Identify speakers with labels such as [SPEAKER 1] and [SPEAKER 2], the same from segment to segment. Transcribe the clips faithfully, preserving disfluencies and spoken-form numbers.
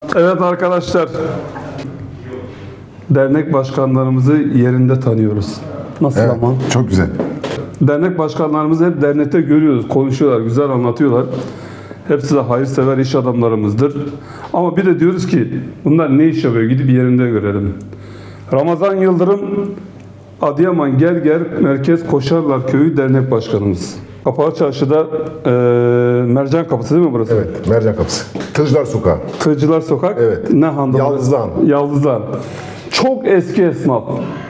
[SPEAKER 1] Evet arkadaşlar, dernek başkanlarımızı yerinde tanıyoruz. Nasıl
[SPEAKER 2] Evet,
[SPEAKER 1] ama?
[SPEAKER 2] çok güzel.
[SPEAKER 1] Dernek başkanlarımızı hep dernekte görüyoruz, konuşuyorlar, güzel anlatıyorlar. Hepsi de hayırsever iş adamlarımızdır. Ama bir de diyoruz ki bunlar ne iş yapıyor, gidip yerinde görelim. Ramazan Yıldırım, Adıyaman Gerger Merkez Koşarlar Köyü Dernek Başkanımız. Kapalı Çarşı'da e, Mercan Kapısı değil mi burası?
[SPEAKER 2] Evet, Mercan Kapısı. Tırcılar Sokağı.
[SPEAKER 1] Tığcılar Sokak.
[SPEAKER 2] Evet.
[SPEAKER 1] Ne handa?
[SPEAKER 2] Yaldızlıhan.
[SPEAKER 1] Yaldızlıhan. Çok eski esnaf.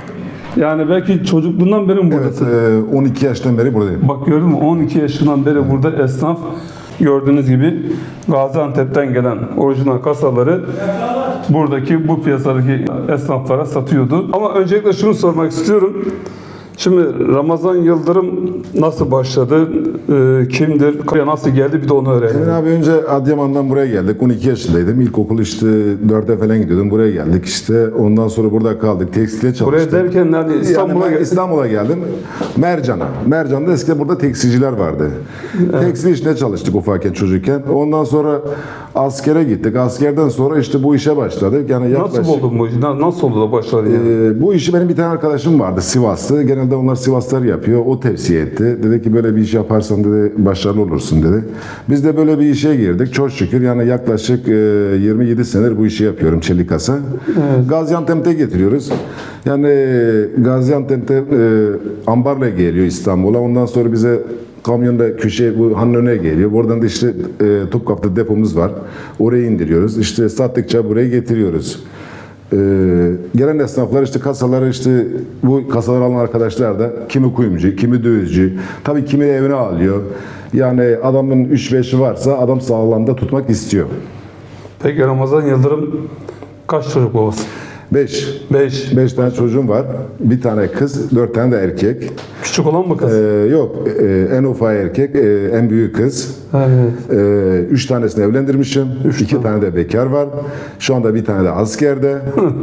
[SPEAKER 1] Yani belki çocukluğundan beri mi
[SPEAKER 2] Evet,
[SPEAKER 1] buradasın?
[SPEAKER 2] e, on iki yaştan beri buradayım.
[SPEAKER 1] Bak gördün mü? on iki yaşından beri burada esnaf. Gördüğünüz gibi Gaziantep'ten gelen orijinal kasaları buradaki bu piyasadaki esnaflara satıyordu. Ama öncelikle şunu sormak istiyorum. Şimdi Ramazan Yıldırım nasıl başladı? E, kimdir? Buraya nasıl geldi? Bir de onu öğrenelim.
[SPEAKER 2] Emin abi önce Adıyaman'dan buraya geldik. on iki yaşındaydım. İlkokul işte dörde falan gidiyordum. Buraya geldik işte. Ondan sonra burada kaldık. Tekstilde çalıştık.
[SPEAKER 1] Buraya derken nerede? İstanbul'a
[SPEAKER 2] yani
[SPEAKER 1] geldi.
[SPEAKER 2] İstanbul'a geldim. Mercan'a. Mercan'da eskiden burada tekstilciler vardı. Evet. Tekstil işinde çalıştık ufakken çocukken. Ondan sonra askere gittik. Askerden sonra işte bu işe başladık. Yani yaklaşık,
[SPEAKER 1] Nasıl buldun bu işi? Nasıl oldu da başladı yani?
[SPEAKER 2] e, bu işi benim bir tane arkadaşım vardı Sivaslı. Genelde onlar Sivaslar yapıyor. O tavsiye etti. Dedi ki böyle bir iş yaparsan dedi başarılı olursun dedi. Biz de böyle bir işe girdik. Çok şükür yani yaklaşık e, yirmi yedi senedir bu işi yapıyorum çelik kasa. Evet. Gaziantep'te getiriyoruz. Yani Gaziantep'te e, ambarla geliyor İstanbul'a. Ondan sonra bize kamyonda köşe bu hanın önüne geliyor. Buradan da işte e, Topkapı'da depomuz var. Oraya indiriyoruz. İşte sattıkça buraya getiriyoruz. Ee, gelen esnaflar işte kasaları işte bu kasaları alan arkadaşlar da kimi kuyumcu, kimi dövizci, tabii kimi evine alıyor. Yani adamın üç beşi varsa adam sağlamda tutmak istiyor.
[SPEAKER 1] Peki Ramazan Yıldırım kaç çocuk babası?
[SPEAKER 2] beş.
[SPEAKER 1] beş.
[SPEAKER 2] beş tane çocuğum var. Bir tane kız, dört tane de erkek.
[SPEAKER 1] Küçük olan mı kız?
[SPEAKER 2] Ee, yok, e, en ufak erkek, e, en büyük kız.
[SPEAKER 1] Evet.
[SPEAKER 2] E, üç tanesini evlendirmişim. Üç iki tane. tane de bekar var. Şu anda bir tane de askerde.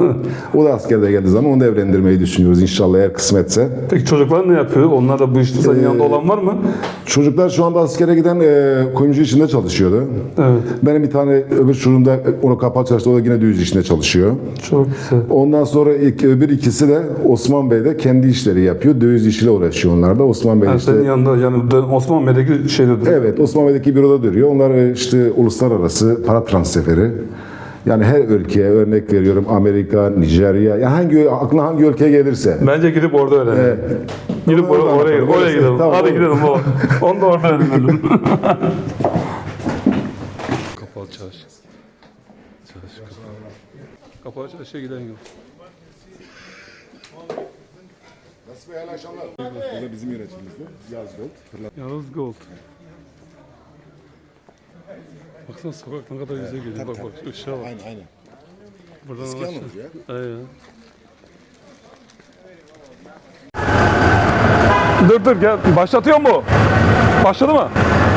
[SPEAKER 2] O da askerde geldiği zaman onu da evlendirmeyi düşünüyoruz inşallah eğer kısmetse.
[SPEAKER 1] Peki çocuklar ne yapıyor? Onlar da bu işte senin
[SPEAKER 2] Ee,
[SPEAKER 1] yanında olan var mı?
[SPEAKER 2] Çocuklar şu anda askere giden e, kuyumcu işinde çalışıyordu.
[SPEAKER 1] Evet.
[SPEAKER 2] Benim bir tane öbür çocuğum da onu kapalı çalıştı. O da yine düğüz işinde çalışıyor.
[SPEAKER 1] Çok güzel.
[SPEAKER 2] Ondan sonra ilk, öbür ikisi de Osman Bey'de kendi işleri yapıyor. Döviz işiyle uğraşıyor onlar da. Osman Bey
[SPEAKER 1] Yani
[SPEAKER 2] işte.
[SPEAKER 1] senin yanında yani Osman Bey'deki şeyde duruyor.
[SPEAKER 2] Evet, Osman Bey'deki büroda duruyor. Onlar işte uluslararası para transferi. Yani her ülkeye örnek veriyorum. Amerika, Nijerya. Yani hangi aklına hangi ülkeye gelirse.
[SPEAKER 1] Bence gidip orada öğrenelim.
[SPEAKER 2] Evet.
[SPEAKER 1] Gidip
[SPEAKER 2] Onu
[SPEAKER 1] oraya,
[SPEAKER 2] orada
[SPEAKER 1] oraya,
[SPEAKER 2] anlatalım.
[SPEAKER 1] oraya
[SPEAKER 2] Orası-
[SPEAKER 1] gidelim.
[SPEAKER 2] tamam,
[SPEAKER 1] Hadi
[SPEAKER 2] olur.
[SPEAKER 1] gidelim baba. Onu da orada öğrenelim. Kapalı çarşı. Çarşı kapalı. Kapalı çarşıya giden yol.
[SPEAKER 2] Nasıl bir akşamlar? Bu da bizim yönetimimizde. Yazgold.
[SPEAKER 1] Yavuz Gold. Baksana sokak ne kadar güzel geliyor. Bak bak ışığa bak.
[SPEAKER 2] Aynen aynen.
[SPEAKER 1] Buradan
[SPEAKER 2] Eski
[SPEAKER 1] aşağı.
[SPEAKER 2] Anadolu ya.
[SPEAKER 1] Aynen. Dur dur gel. Başlatıyor mu? Başladı mı?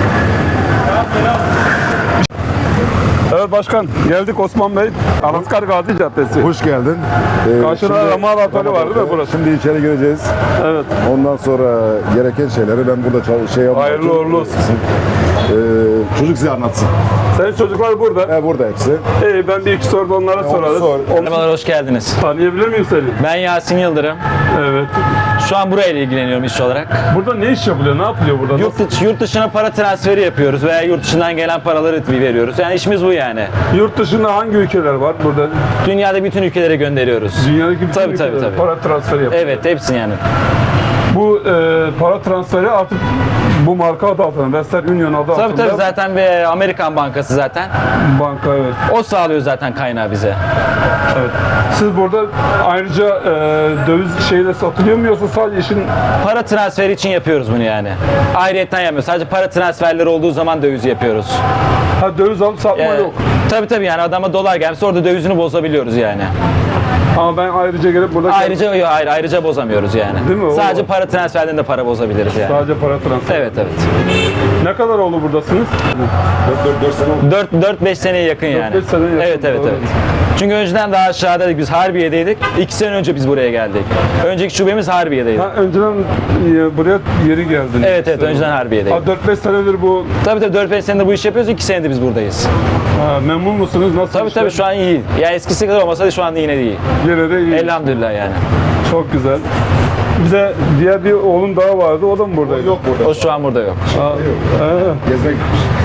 [SPEAKER 1] Evet başkan geldik Osman Bey. Alaskar Gazi Caddesi.
[SPEAKER 2] Hoş geldin. Ee,
[SPEAKER 1] Karşıda
[SPEAKER 2] şimdi-
[SPEAKER 1] Ramazan Atölye var değil mi burası?
[SPEAKER 2] Şimdi içeri gireceğiz.
[SPEAKER 1] Evet.
[SPEAKER 2] Ondan sonra gereken şeyleri ben burada çal- şey yapmak
[SPEAKER 1] Hayırlı
[SPEAKER 2] için-
[SPEAKER 1] uğurlu olsun.
[SPEAKER 2] Ee, çocuk size anlatsın.
[SPEAKER 1] Senin çocuklar burada.
[SPEAKER 2] He, burada hepsi.
[SPEAKER 1] İyi ben bir iki soru da onlara sorarız.
[SPEAKER 2] sor.
[SPEAKER 1] Onu
[SPEAKER 3] Merhabalar, hoş geldiniz.
[SPEAKER 1] tanıyabilir miyim seni?
[SPEAKER 3] Ben Yasin Yıldırım.
[SPEAKER 1] Evet.
[SPEAKER 3] Şu an burayla ilgileniyorum iş olarak.
[SPEAKER 1] Burada ne iş yapılıyor? Ne yapılıyor burada?
[SPEAKER 3] Yurt, dışı, yurt dışına para transferi yapıyoruz veya yurt dışından gelen paraları veriyoruz. Yani işimiz bu yani.
[SPEAKER 1] Yurt dışında hangi ülkeler var burada?
[SPEAKER 3] Dünyada bütün ülkelere gönderiyoruz.
[SPEAKER 1] Dünyadaki bütün
[SPEAKER 3] Tabii,
[SPEAKER 1] ülkeler
[SPEAKER 3] tabii, tabii.
[SPEAKER 1] para transferi yapıyor.
[SPEAKER 3] Evet, hepsini yani.
[SPEAKER 1] Bu e, para transferi artık bu marka adı altında, Western Union adı
[SPEAKER 3] Tabii
[SPEAKER 1] altında
[SPEAKER 3] tabii zaten bir Amerikan bankası zaten.
[SPEAKER 1] banka evet.
[SPEAKER 3] O sağlıyor zaten kaynağı bize.
[SPEAKER 1] Evet. Siz burada ayrıca e, döviz şeyle satılıyor mu yoksa sadece işin
[SPEAKER 3] Para transferi için yapıyoruz bunu yani. Ayrıyetten yapmıyoruz. Sadece para transferleri olduğu zaman döviz yapıyoruz.
[SPEAKER 1] ha, döviz alıp satma
[SPEAKER 3] Ee,
[SPEAKER 1] yok.
[SPEAKER 3] Tabii tabii yani adama dolar gelmişse orada dövizini bozabiliyoruz yani.
[SPEAKER 1] Ama ben ayrıca gelip burada
[SPEAKER 3] Ayrıca yok, ayrı, ayrıca bozamıyoruz yani.
[SPEAKER 1] Değil mi? O
[SPEAKER 3] Sadece
[SPEAKER 1] var.
[SPEAKER 3] para transferlerinde para bozabiliriz yani.
[SPEAKER 1] sadece para transferi.
[SPEAKER 3] Evet evet.
[SPEAKER 1] Ne kadar oldu buradasınız?
[SPEAKER 2] dört sene oldu.
[SPEAKER 3] dört beş seneye yakın yani.
[SPEAKER 1] beş seneye yakın,
[SPEAKER 3] Evet evet
[SPEAKER 1] doğru.
[SPEAKER 3] evet. Çünkü önceden daha aşağıdaydık. Biz Harbiye'deydik. İki sene önce biz buraya geldik. Önceki şubemiz Harbiye'deydi.
[SPEAKER 1] Ha, önceden e, buraya yeri geldin.
[SPEAKER 3] Evet evet önceden Harbiye'deydik.
[SPEAKER 1] Ha, dört beş senedir bu.
[SPEAKER 3] Tabii tabii dört beş senedir bu işi yapıyoruz. iki senedir biz buradayız.
[SPEAKER 1] Ha, memnun musunuz? Nasıl
[SPEAKER 3] Tabii
[SPEAKER 1] işler?
[SPEAKER 3] tabii şu an iyi. Ya eskisi kadar olmasa da şu anda yine de iyi.
[SPEAKER 1] Yine de iyi.
[SPEAKER 3] Elhamdülillah yani.
[SPEAKER 1] Çok güzel. Bize diğer bir oğlum daha vardı. O da mı buradaydı?
[SPEAKER 2] Yok burada.
[SPEAKER 3] O şu an burada yok.
[SPEAKER 1] Ha, ha.
[SPEAKER 2] Gezmek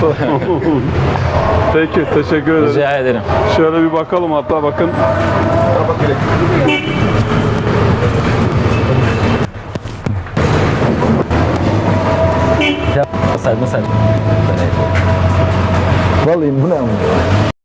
[SPEAKER 1] Peki teşekkür ederim.
[SPEAKER 3] Rica ederim.
[SPEAKER 1] Şöyle bir bakalım hatta bakın.
[SPEAKER 3] Nasıl nasıl? Vallahi bu ne?